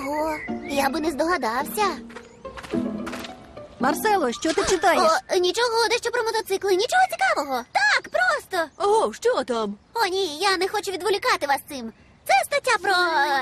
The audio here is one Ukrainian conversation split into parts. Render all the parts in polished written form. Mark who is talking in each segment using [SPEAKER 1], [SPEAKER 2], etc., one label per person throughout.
[SPEAKER 1] Ого, я би не здогадався.
[SPEAKER 2] Марсело, що ти читаєш?
[SPEAKER 1] Нічого, дещо про мотоцикли, нічого цікавого. Так, просто.
[SPEAKER 3] О, що там?
[SPEAKER 1] О, ні, я не хочу відволікати вас цим. Це стаття про...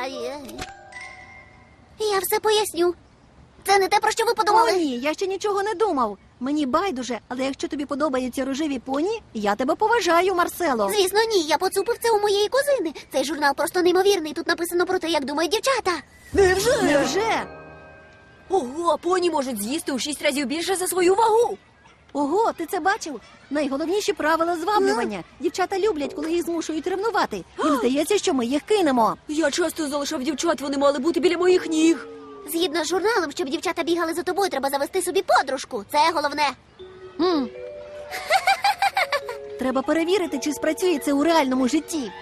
[SPEAKER 1] Я все поясню. Це не те, про що ви
[SPEAKER 2] О,
[SPEAKER 1] подумали.
[SPEAKER 2] ні, я ще нічого не думав. Мені байдуже, але якщо тобі подобаються рожеві поні, я тебе поважаю, Марсело.
[SPEAKER 1] Звісно, ні, я поцупив це у моєї кузини. Цей журнал просто неймовірний. Тут написано про те, як думають дівчата.
[SPEAKER 3] Невже?
[SPEAKER 2] Невже?
[SPEAKER 3] Ого, поні можуть з'їсти у 6 разів більше за свою вагу.
[SPEAKER 2] Ого, ти це бачив? Найголовніші правила зваблювання. Дівчата люблять, коли їх змушують ревнувати. Їм здається, що ми їх кинемо.
[SPEAKER 3] Я часто залишав дівчат, вони мали бути біля моїх ніг.
[SPEAKER 1] Згідно з журналом, щоб дівчата бігали за тобою, треба завести собі подружку. Це головне.
[SPEAKER 2] Треба перевірити, чи спрацює це у реальному житті.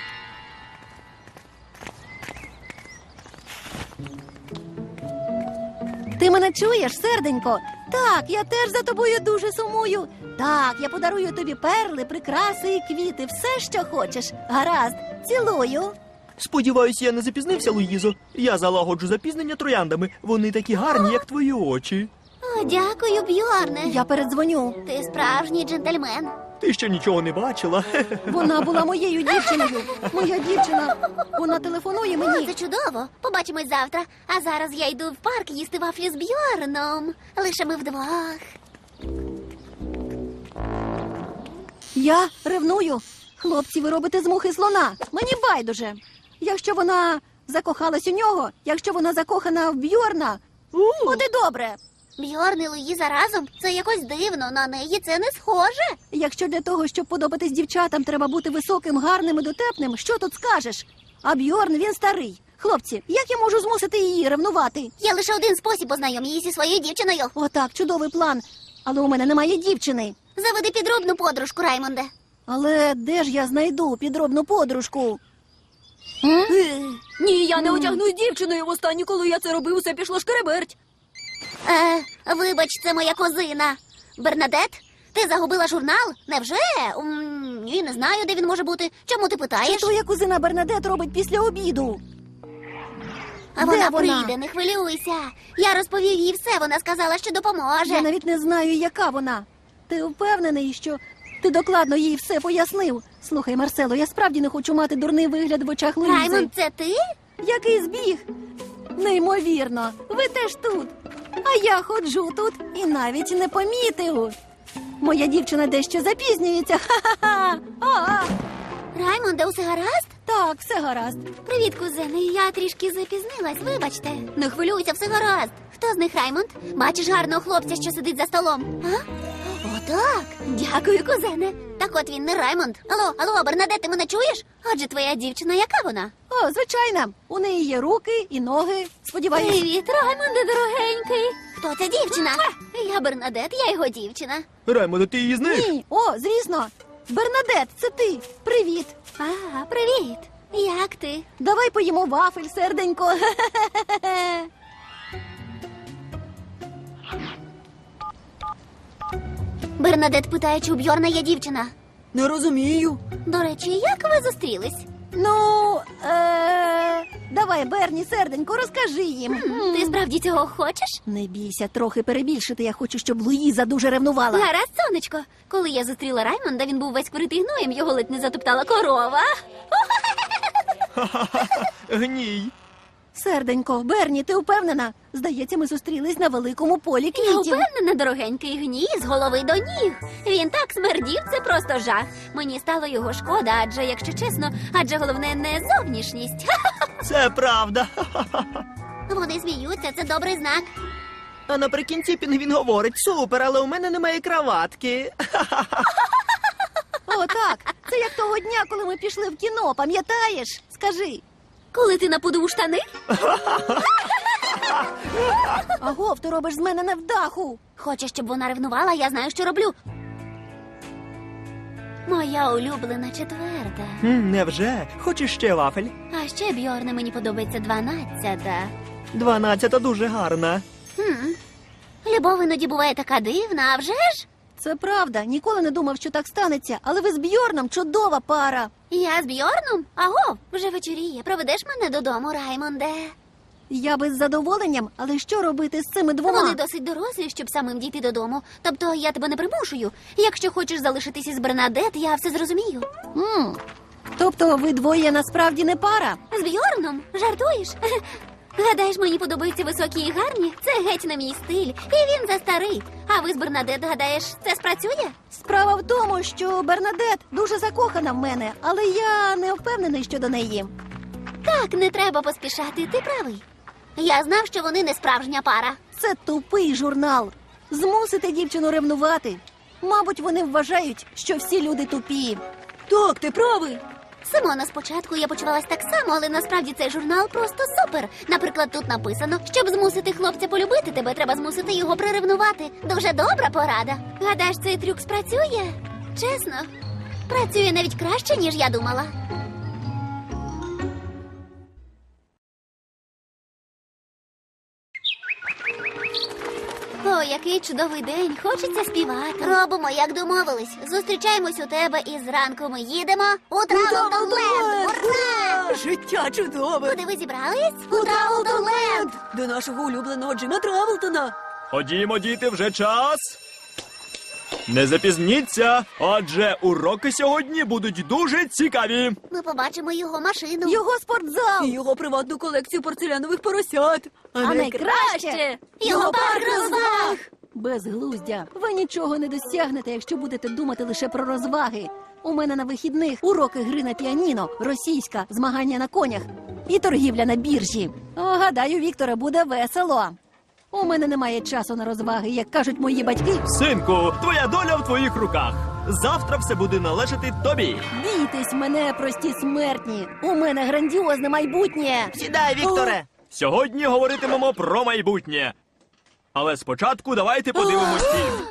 [SPEAKER 2] Ти мене чуєш, серденько? Так, я теж за тобою дуже сумую. Так, я подарую тобі перли, прикраси і квіти, все, що хочеш. Гаразд, цілую.
[SPEAKER 4] Сподіваюсь, я не запізнився, Луїзо. Я залагоджу запізнення трояндами. Вони такі гарні, як твої очі.
[SPEAKER 1] О, дякую, Бьорне.
[SPEAKER 2] Я передзвоню.
[SPEAKER 1] Ти справжній джентльмен.
[SPEAKER 4] Ти ще нічого не бачила.
[SPEAKER 2] Вона була моєю дівчиною. Моя дівчина. Вона телефонує
[SPEAKER 1] О,
[SPEAKER 2] мені.
[SPEAKER 1] це чудово. Побачимось завтра. А зараз я йду в парк їсти вафлі з Бьорном. Лише ми вдвох.
[SPEAKER 2] Я ревную. Хлопці, ви робите з мухи слона. Мені байдуже. Якщо вона закохалась у нього, якщо вона закохана в Бьорна, от і добре.
[SPEAKER 1] Бьорн і Луїза разом? Це якось дивно. На неї це не схоже.
[SPEAKER 2] Якщо для того, щоб подобатись дівчатам, треба бути високим, гарним і дотепним, що тут скажеш? А Бьорн, він старий. Хлопці, як я можу змусити її ревнувати?
[SPEAKER 1] Є лише один спосіб, познайом її зі своєю дівчиною.
[SPEAKER 2] Отак, чудовий план. Але у мене немає дівчини.
[SPEAKER 1] Заведи підробну подружку, Раймонде.
[SPEAKER 2] Але де ж я знайду підробну подружку?
[SPEAKER 3] Ні, я не одягну з дівчиною. Востаннє, коли я це робив, усе пішло шкереберть.
[SPEAKER 1] Вибач, це моя кузина. Бернадет, ти загубила журнал? Невже? Ні, не знаю, де він може бути. Чому ти
[SPEAKER 2] Чи
[SPEAKER 1] питаєш?
[SPEAKER 2] твоя кузина Бернадет робить після обіду?
[SPEAKER 1] А вона
[SPEAKER 2] Де вона?
[SPEAKER 1] прийде, не хвилюйся. Я розповів їй все, вона сказала, що допоможе.
[SPEAKER 2] Я навіть не знаю, яка вона. Ти впевнений, що ти докладно їй все пояснив? Слухай, Марсело, я справді не хочу мати дурний вигляд в очах Луїзи.
[SPEAKER 1] Раймонд, це ти?
[SPEAKER 2] Який збіг? Неймовірно, ви теж тут. А я ходжу тут і навіть не помітив. Моя дівчина дещо запізнюється. Ха-ха-ха! А-а!
[SPEAKER 1] Раймонде, усе гаразд?
[SPEAKER 2] Так, все гаразд.
[SPEAKER 1] Привіт, кузени. Я трішки запізнилась, вибачте. Не хвилюйся, все гаразд. Хто з них Раймонд? Бачиш гарного хлопця, що сидить за столом? А? Отак. Дякую, кузене. Так от він не Раймонд. Алло, Бернадет, ти мене чуєш? Отже, твоя дівчина, яка вона?
[SPEAKER 2] О, звичайно, у неї є руки і ноги. Сподіваюсь.
[SPEAKER 1] Привіт, Раймонде, дорогенький. Хто ця дівчина? Я Бернадет, я його дівчина.
[SPEAKER 4] Раймондо, ти її знаєш?
[SPEAKER 2] Ні, о, звісно. Бернадет, це ти. Привіт.
[SPEAKER 1] А, привіт. Як ти?
[SPEAKER 2] Давай поїмо вафель, серденько.
[SPEAKER 1] Бернадет питає, чи у Бьорна є дівчина.
[SPEAKER 3] Не розумію.
[SPEAKER 1] До речі, як ви зустрілись?
[SPEAKER 2] Ну, давай, Берні, серденько, розкажи їм.
[SPEAKER 1] Ти справді цього хочеш?
[SPEAKER 2] Не бійся, трохи перебільшити. Я хочу, щоб Луїза дуже ревнувала.
[SPEAKER 1] Гаразд, сонечко. Коли я зустріла Раймонда, він був весь вкритий гноєм, його ледь не затоптала корова.
[SPEAKER 4] Гній.
[SPEAKER 2] Серденько, Берні, ти впевнена? Здається, ми зустрілись на великому полі
[SPEAKER 1] Я
[SPEAKER 2] квітів.
[SPEAKER 1] впевнена, дорогенький гній з голови до ніг. Він так смердів, це просто жах. Мені стало його шкода, адже головне не зовнішність.
[SPEAKER 4] Це правда.
[SPEAKER 1] Вони сміються, це добрий знак.
[SPEAKER 4] А наприкінці пінгвін говорить: супер, але у мене немає краватки.
[SPEAKER 2] О, так. Це як того дня, коли ми пішли в кіно, пам'ятаєш? Скажи.
[SPEAKER 1] Коли ти напудив штани?
[SPEAKER 2] Агов, ти робиш з мене невдаху.
[SPEAKER 1] Хочеш, щоб вона ревнувала, я знаю, що роблю. Моя улюблена четверта.
[SPEAKER 4] Невже? Хочеш ще вафель?
[SPEAKER 1] А ще, Бьорне, мені подобається 12-та.
[SPEAKER 4] 12 дуже гарна.
[SPEAKER 1] Любов іноді буває така дивна, а вже ж?
[SPEAKER 2] Це правда. Ніколи не думав, що так станеться. Але ви з Бьорном чудова пара.
[SPEAKER 1] Я з Бьорном? Аго, вже вечоріє. Проведеш мене додому, Раймонде?
[SPEAKER 2] Я би з задоволенням, але що робити з цими двома?
[SPEAKER 1] Вони досить дорослі, щоб самим дійти додому. Тобто я тебе не примушую. Якщо хочеш залишитись із Бернадет, я все зрозумію.
[SPEAKER 2] Тобто ви двоє насправді не пара?
[SPEAKER 1] З Бьорном? Жартуєш? Гадаєш, мені подобаються високі і гарні? Це геть не мій стиль. І він застарий. А ви з Бернадет, гадаєш, це спрацює?
[SPEAKER 2] Справа в тому, що Бернадет дуже закохана в мене, але я не впевнений щодо неї.
[SPEAKER 1] Так, не треба поспішати, ти правий. Я знав, що вони не справжня пара.
[SPEAKER 2] Це тупий журнал. Змусити дівчину ревнувати. Мабуть, вони вважають, що всі люди тупі.
[SPEAKER 3] Так, ти правий.
[SPEAKER 1] Симона, спочатку я почувалась так само, але насправді цей журнал просто супер. Наприклад, тут написано, щоб змусити хлопця полюбити тебе, треба змусити його приревнувати. Дуже добра порада. Гадаєш, цей трюк спрацює? Чесно, працює навіть краще, ніж я думала. О, який чудовий день, хочеться співати. Робимо, як домовились. Зустрічаємось у тебе і зранку ми їдемо у Травелтонленд. Ура!
[SPEAKER 3] Життя чудове.
[SPEAKER 1] Куди ви зібрались? У Травелтонленд.
[SPEAKER 3] До нашого улюбленого Джима Травелтона.
[SPEAKER 4] Ходімо, діти, вже час. Не запізніться, адже уроки сьогодні будуть дуже цікаві.
[SPEAKER 1] Ми побачимо його машину.
[SPEAKER 2] Його спортзал!
[SPEAKER 3] І його приватну колекцію порцелянових поросят.
[SPEAKER 2] А найкраще
[SPEAKER 1] Його парк розваг.
[SPEAKER 2] безглуздя. Ви нічого не досягнете, якщо будете думати лише про розваги. У мене на вихідних уроки гри на піаніно, російська, змагання на конях і торгівля на біржі. О, гадаю, Вікторе, буде весело. У мене немає часу на розваги, як кажуть мої батьки.
[SPEAKER 4] Синку, твоя доля в твоїх руках. Завтра все буде належати тобі.
[SPEAKER 2] Бійтесь мене, прості смертні. У мене грандіозне майбутнє.
[SPEAKER 5] Сідай, Вікторе!
[SPEAKER 4] Сьогодні говоритимемо про майбутнє. Але спочатку давайте подивимось фільм.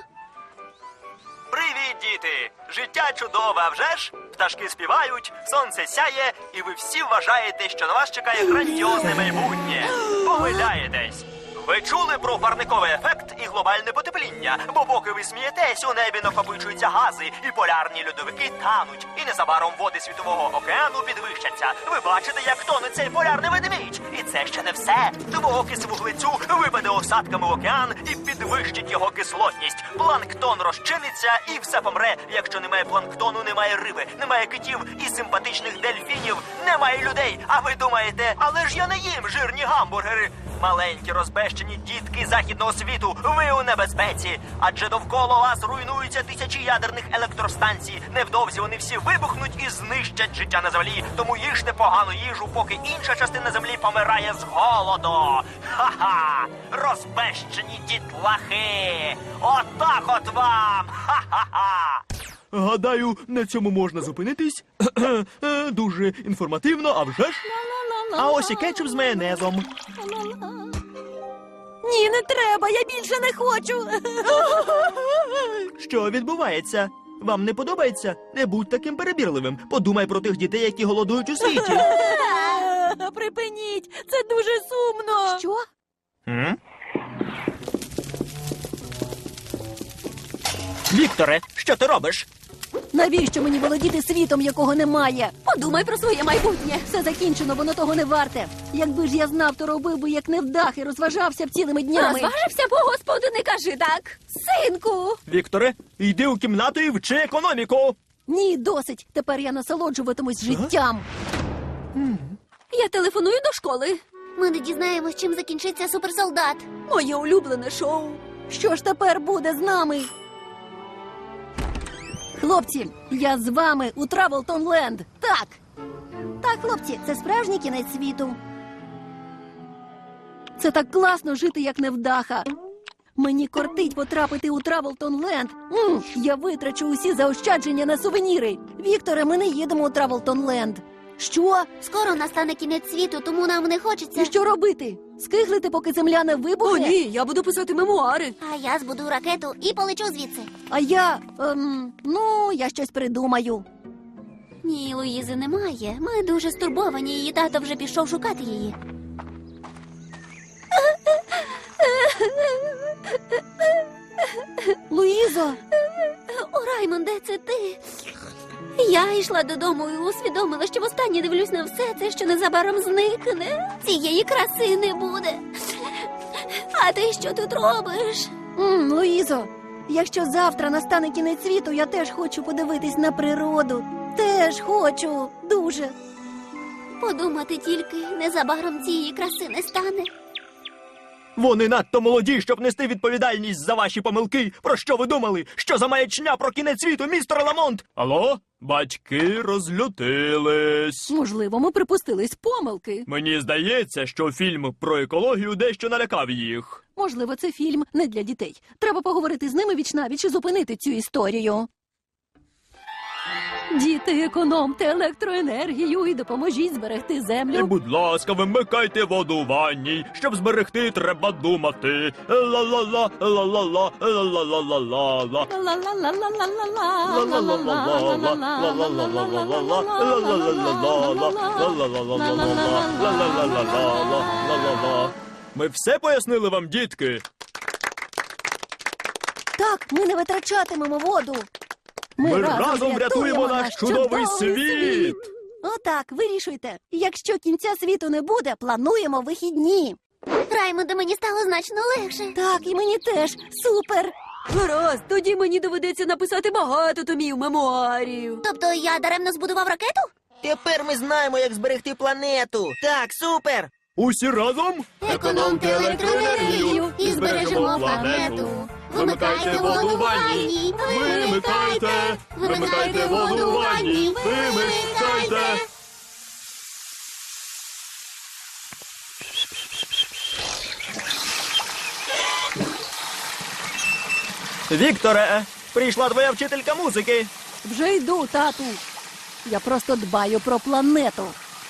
[SPEAKER 4] Привіт, діти! Життя чудове, а вже ж? Пташки співають, сонце сяє, і ви всі вважаєте, що на вас чекає грандіозне майбутнє. Помиляєтесь. Ви чули про парниковий ефект і глобальне потепління, бо поки ви смієтесь, у небі накопичуються гази, і полярні льодовики тануть, і незабаром води Світового океану підвищаться. Ви бачите, як тоне цей полярний ведмідь. І це ще не все. Двоокис вуглецю випаде осадками в океан і підвищить його кислотність. Планктон розчиниться і все помре. Якщо немає планктону, немає риби, немає китів і симпатичних дельфінів, немає людей. А ви думаєте, але ж я не їм жирні гамбургери. Маленькі розбещені дітки західного світу, ви у небезпеці. Адже довкола вас руйнуються тисячі ядерних електростанцій. Невдовзі вони всі вибухнуть і знищать життя на землі. Тому їжте погану їжу, поки інша частина землі помирає з голоду. Ха-ха! Розбещені дітлахи! Отак от вам! Ха-ха-ха! Гадаю, на цьому можна зупинитись. Дуже інформативно, а вже ж? А ось і кетчуп з майонезом.
[SPEAKER 2] Ні, не треба, я більше не хочу.
[SPEAKER 4] Що відбувається? Вам не подобається? Не будь таким перебірливим. Подумай про тих дітей, які голодують у світі.
[SPEAKER 3] Припиніть, це дуже сумно.
[SPEAKER 2] Що?
[SPEAKER 4] Вікторе, що ти робиш?
[SPEAKER 2] Навіщо мені володіти світом, якого немає?
[SPEAKER 3] Подумай про своє майбутнє.
[SPEAKER 2] Все закінчено, воно того не варте. Якби ж я знав, то робив би як невдах і розважався б цілими днями.
[SPEAKER 3] Розважився, бо господу не кажи так.
[SPEAKER 2] Синку!
[SPEAKER 4] Вікторе, йди у кімнату і вчи економіку.
[SPEAKER 2] Ні, досить. Тепер я насолоджуватимусь життям.
[SPEAKER 3] Я телефоную до школи.
[SPEAKER 1] Ми не дізнаємось, чим закінчиться суперсолдат.
[SPEAKER 3] Моє улюблене шоу.
[SPEAKER 2] Що ж тепер буде з нами? Хлопці, я з вами у Травелтонленд. Так. Так, хлопці, це справжній кінець світу. Це так класно жити, як невдаха. Мені кортить потрапити у Травелтонленд. Я витрачу усі заощадження на сувеніри. Вікторе, ми не їдемо у Травелтонленд. Що?
[SPEAKER 1] Скоро настане кінець світу, тому нам не хочеться.
[SPEAKER 2] І що робити? Скиглити, поки земля не
[SPEAKER 3] О,
[SPEAKER 2] вибухне?
[SPEAKER 3] ні, я буду писати мемуари.
[SPEAKER 1] А я збудую ракету і полечу звідси.
[SPEAKER 2] А я, я щось придумаю.
[SPEAKER 1] Ні, Луїзи немає. Ми дуже стурбовані, її тато вже пішов шукати її.
[SPEAKER 2] Луїзо,
[SPEAKER 1] О, Раймонде, це ти. Я йшла додому і усвідомила, що востаннє дивлюсь на все це, що незабаром зникне. Цієї краси не буде. А ти що тут робиш?
[SPEAKER 2] Луїзо, якщо завтра настане кінець світу, я теж хочу подивитись на природу. Теж хочу. Дуже.
[SPEAKER 1] Подумати тільки, незабаром цієї краси не стане.
[SPEAKER 4] Вони надто молоді, щоб нести відповідальність за ваші помилки. Про що ви думали? Що за маячня про кінець світу, містер Ламонт? Алло? Батьки розлютились.
[SPEAKER 2] Можливо, ми припустились помилки.
[SPEAKER 4] Мені здається, що фільм про екологію дещо налякав їх.
[SPEAKER 2] Можливо, це фільм не для дітей. Треба поговорити з ними вічнавіч і зупинити цю історію. Діти, економте електроенергію і допоможіть зберегти
[SPEAKER 4] І,
[SPEAKER 2] землю.
[SPEAKER 4] будь ласка, вимикайте воду у ванні. Щоб зберегти, треба думати. Ла-ла-ла, ла-ла-ла, ла-ла-ла-ла-ла. Ми все пояснили вам, дітки?
[SPEAKER 2] Так, ми не витрачатимемо воду.
[SPEAKER 4] Ми разом врятуємо наш чудовий світ.
[SPEAKER 2] Отак, вирішуйте. Якщо кінця світу не буде, плануємо вихідні.
[SPEAKER 1] Раймонде, мені стало значно легше.
[SPEAKER 2] Так, і мені теж. Супер.
[SPEAKER 3] Гаразд, тоді мені доведеться написати багато томів мемуарів.
[SPEAKER 1] Тобто я даремно збудував ракету?
[SPEAKER 5] Тепер ми знаємо, як зберегти планету. Так, супер!
[SPEAKER 4] Усі разом?
[SPEAKER 1] Економте електроенергію і збережемо планету. Вимикайте воду в ванні, вимикайте, вимикайте воду в ванні, вимикайте.
[SPEAKER 4] Вікторе, прийшла твоя вчителька музики.
[SPEAKER 2] Вже йду, тату. Я просто дбаю про планету.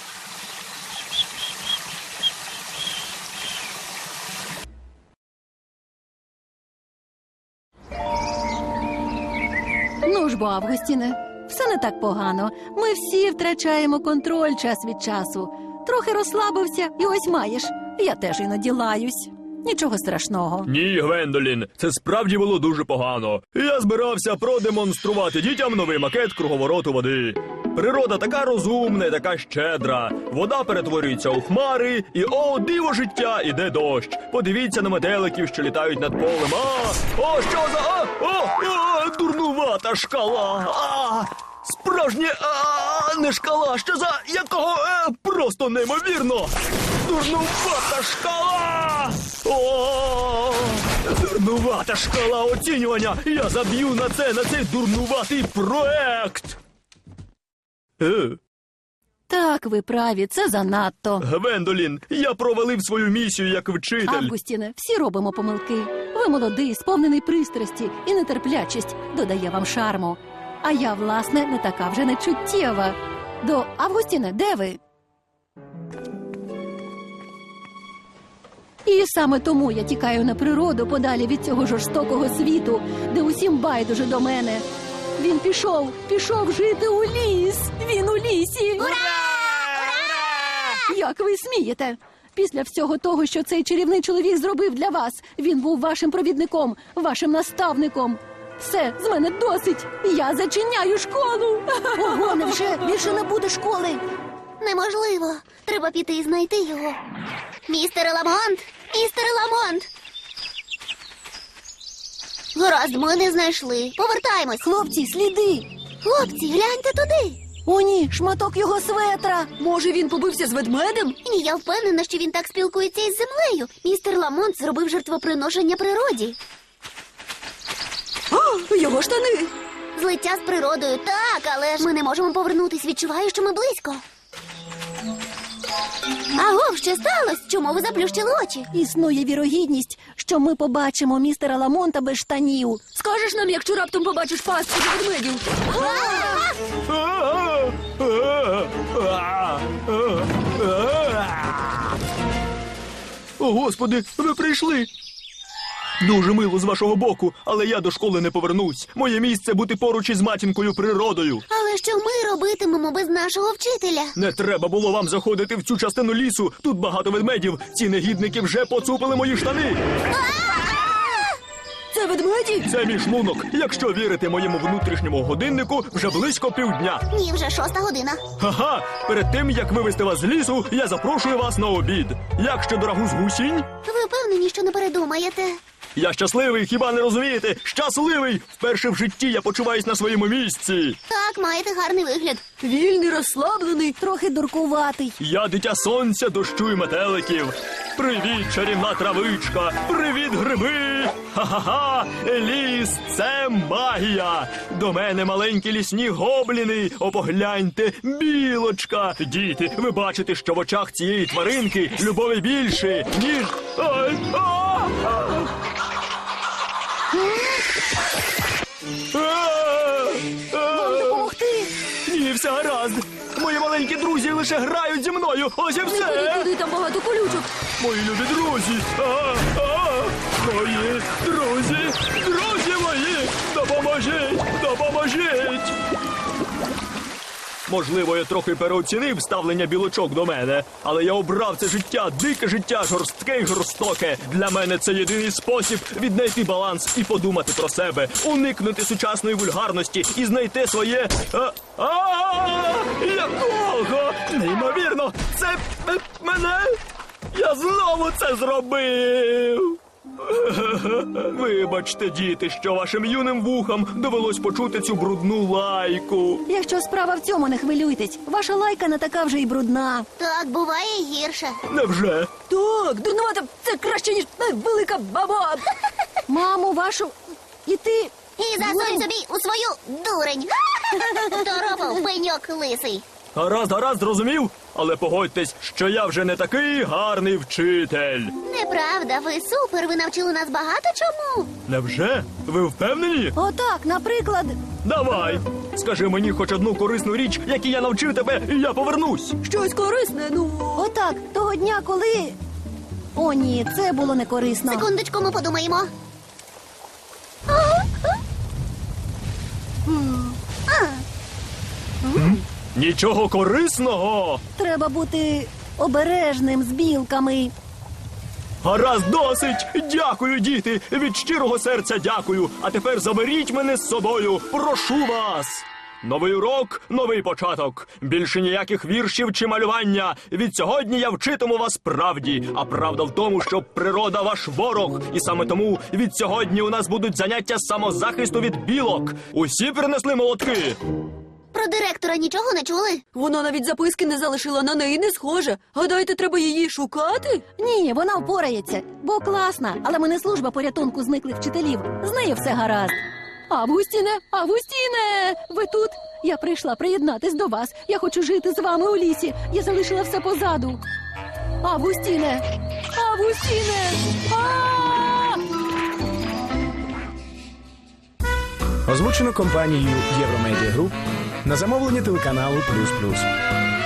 [SPEAKER 2] Ну ж бо, Августіне, все не так погано. Ми всі втрачаємо контроль час від часу. Трохи розслабився, і ось маєш. Я теж іноді лаюсь. Нічого страшного.
[SPEAKER 4] Ні, Гвендолін, це справді було дуже погано. Я збирався продемонструвати дітям новий макет круговороту води. Природа така розумна і така щедра. Вода перетворюється у хмари, і о, диво життя, іде дощ. Подивіться на метеликів, що літають над полем. О, що за... дурнувата шкала. Справжнє, не шкала, що за якого, просто неймовірно. Дурнувата шкала! О, дурнувата шкала оцінювання! Я заб'ю на цей дурнуватий проект!
[SPEAKER 2] Так, ви праві, це занадто.
[SPEAKER 4] Гвендолін, я провалив свою місію як вчитель.
[SPEAKER 2] Августіне, всі робимо помилки. Ви молодий, сповнений пристрасті і нетерплячість додає вам шарму. А я, власне, не така вже нечуттєва. Августіне, де ви? І саме тому я тікаю на природу подалі від цього жорстокого світу, де усім байдуже до мене. Він пішов жити у ліс. Він у лісі.
[SPEAKER 1] Ура!
[SPEAKER 2] Як ви смієте? Після всього того, що цей чарівний чоловік зробив для вас, він був вашим провідником, вашим наставником. Все, з мене досить. Я зачиняю школу. Ого, невже більше не буде школи?
[SPEAKER 1] Неможливо. Треба піти і знайти його. Містер Ламонт! Містер Ламонт! Гаразд, ми не знайшли. Повертаємось.
[SPEAKER 2] Хлопці, сліди.
[SPEAKER 1] Хлопці, гляньте туди.
[SPEAKER 2] О, ні, шматок його светра.
[SPEAKER 3] Може, він побився з ведмедем?
[SPEAKER 1] Ні, я впевнена, що він так спілкується із землею. Містер Ламонт зробив жертвоприношення природі.
[SPEAKER 3] О, його штани!
[SPEAKER 1] Злиття з природою, так, але ж ми не можемо повернутись. Відчуваю, що ми близько. Агов, що сталося? Чому ви заплющили очі?
[SPEAKER 2] Існує вірогідність, що ми побачимо містера Ламонта без штанів.
[SPEAKER 3] Скажеш нам, якщо раптом побачиш пастку ведмедів?
[SPEAKER 4] О, Господи, ви прийшли! Дуже мило з вашого боку, але я до школи не повернусь. Моє місце бути поруч із матінкою природою.
[SPEAKER 1] Але що ми робитимемо без нашого вчителя?
[SPEAKER 4] Не треба було вам заходити в цю частину лісу. Тут багато ведмедів. Ці негідники вже поцупили мої штани.
[SPEAKER 3] Це ведмеді?
[SPEAKER 4] Це мій шлунок. Якщо вірити моєму внутрішньому годиннику, вже близько півдня.
[SPEAKER 1] Ні, вже 6 година.
[SPEAKER 4] Ха-ха! Перед тим, як вивезти вас з лісу, я запрошую вас на обід. Як щодо рагу з гусінь?
[SPEAKER 1] Ви впевнені, що не передумаєте?
[SPEAKER 4] Я щасливий, хіба не розумієте? Щасливий! Вперше в житті я почуваюсь на своєму місці.
[SPEAKER 1] Так, маєте гарний вигляд.
[SPEAKER 3] Вільний, розслаблений.
[SPEAKER 2] Трохи дуркуватий.
[SPEAKER 4] Я дитя сонця, дощу і метеликів. Привіт, чарівна травичка! Привіт, гриби! Ха-ха-ха! Ліс — це магія! До мене маленькі лісні гобліни! О, погляньте, білочка! Діти, ви бачите, що в очах цієї тваринки любові більше, ніж... Ай!
[SPEAKER 2] Вам допомогти?
[SPEAKER 4] Ні, все гаразд! Мої маленькі друзі лише грають зі мною! Ось і
[SPEAKER 3] Не ходи
[SPEAKER 4] все!
[SPEAKER 3] туди, там багато колючок.
[SPEAKER 4] Мої любі друзі! Мої друзі! Друзі мої! Допоможіть! Допоможіть! Можливо, я трохи переоцінив ставлення білочок до мене, але я обрав це життя, дике життя, жорстке й жорстоке. Для мене це єдиний спосіб віднайти баланс і подумати про себе, уникнути сучасної вульгарності і знайти своє... Якого? Неймовірно! Це мене? Я знову це зробив! Вибачте, діти, що вашим юним вухам довелось почути цю брудну лайку.
[SPEAKER 2] Якщо справа в цьому, не хвилюйтесь. Ваша лайка не така вже й брудна.
[SPEAKER 1] Так, буває і гірше.
[SPEAKER 4] Невже?
[SPEAKER 3] Так, дурнувата, це краще, ніж велика баба.
[SPEAKER 2] Маму вашу... І ти...
[SPEAKER 1] І засунь собі у свою дурень. Торопав пеньок лисий.
[SPEAKER 4] Гаразд, зрозумів? Але погодьтесь, що я вже не такий гарний вчитель.
[SPEAKER 1] Неправда, ви супер, ви навчили нас багато чому.
[SPEAKER 4] Невже? Ви впевнені?
[SPEAKER 2] Отак, наприклад...
[SPEAKER 4] Давай! Скажи мені хоч одну корисну річ, якій я навчив тебе, і я повернусь.
[SPEAKER 3] Щось корисне, ну.
[SPEAKER 2] Отак, того дня, коли... О, ні, це було не корисно.
[SPEAKER 1] Секундочку, ми подумаємо.
[SPEAKER 4] Нічого корисного.
[SPEAKER 2] Треба бути обережним з білками.
[SPEAKER 4] Гаразд, досить! Дякую, діти! Від щирого серця дякую! А тепер заберіть мене з собою! Прошу вас! Новий урок, новий початок. Більше ніяких віршів чи малювання. Від сьогодні я вчитиму вас правді. А правда в тому, що природа ваш ворог. І саме тому від сьогодні у нас будуть заняття з самозахисту від білок. Усі принесли молотки?
[SPEAKER 1] Про директора нічого не чули?
[SPEAKER 3] Вона навіть записки не залишила, на неї не схоже. Гадаєте, треба її шукати?
[SPEAKER 2] Ні, вона впорається, бо класна. Але ми не служба порятунку зниклих вчителів. З нею все гаразд. Августіне, ви тут? Я прийшла приєднатись до вас. Я хочу жити з вами у лісі. Я залишила все позаду. Августіне!
[SPEAKER 6] Озвучено компанією Євромедіа Груп на замовлення телеканалу «Плюс Плюс».